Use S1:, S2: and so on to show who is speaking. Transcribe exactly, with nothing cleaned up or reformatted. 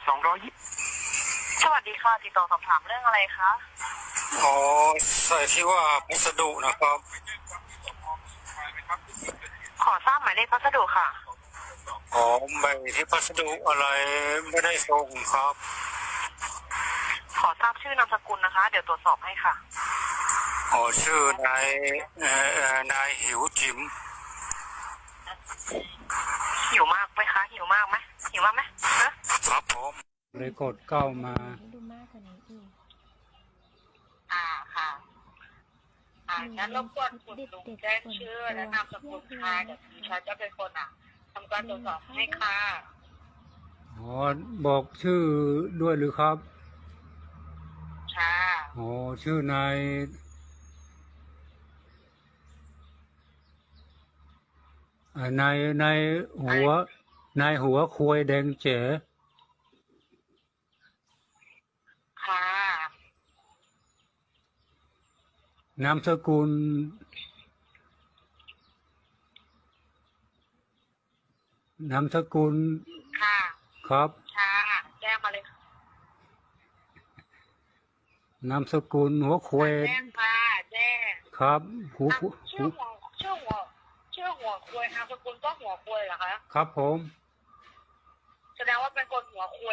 S1: สองร้อยยี่สวัสดีค่ะติดต่อสอบถามเรื่องอะไรคะ
S2: อ๋อใส่ที่ว่าพัสดุนะครับ
S1: ขอทราบหมายเลขพัสดุค่ะ
S2: อ๋อใบที่พัสดุอะไรไม่ได้ส่งครับ
S1: ขอทราบชื่อนามสกุลนะคะเดี๋ยวตรวจสอบให้ค่ะ
S2: อ๋อชื่อนายเอ่อนายหิวจิ๋ม
S1: หิวมากไหมคะหิวมากไหมหิวมากไหมเนอะ
S2: ครับผมเลยกดเก้ามา
S3: ดูมากกว่านี้อีก
S1: อ่าค่ะอ่างั้นรบกวนคุณลุงแจ้งชื่อและนามสกุลค่ะเดี๋ยวดิฉันจะเป็นคนอ่ะทำการตรวจสอบให้ค่ะ
S2: อ๋อบอกชื่อด้วยหรือครับ
S1: ค่ะ
S2: อ๋อชื่อนายนายนายหัวนายหัวควยแดงเจ๋
S1: ค่ะ
S2: นามสกุลนามสกุล
S1: ค่ะ
S2: ครับ
S1: ค่ะแจ้งมาเลย
S2: นามสกุลหัวควย
S1: แจ้งค่ะแจ้ง
S2: ครับหูหู
S1: ชื่อหัวชื่อหัวชื่อหัวควยนามสกุลก็หัวควยเหรอคะ
S2: ครับผม
S1: แสดงว่าเป็นคนหัวควย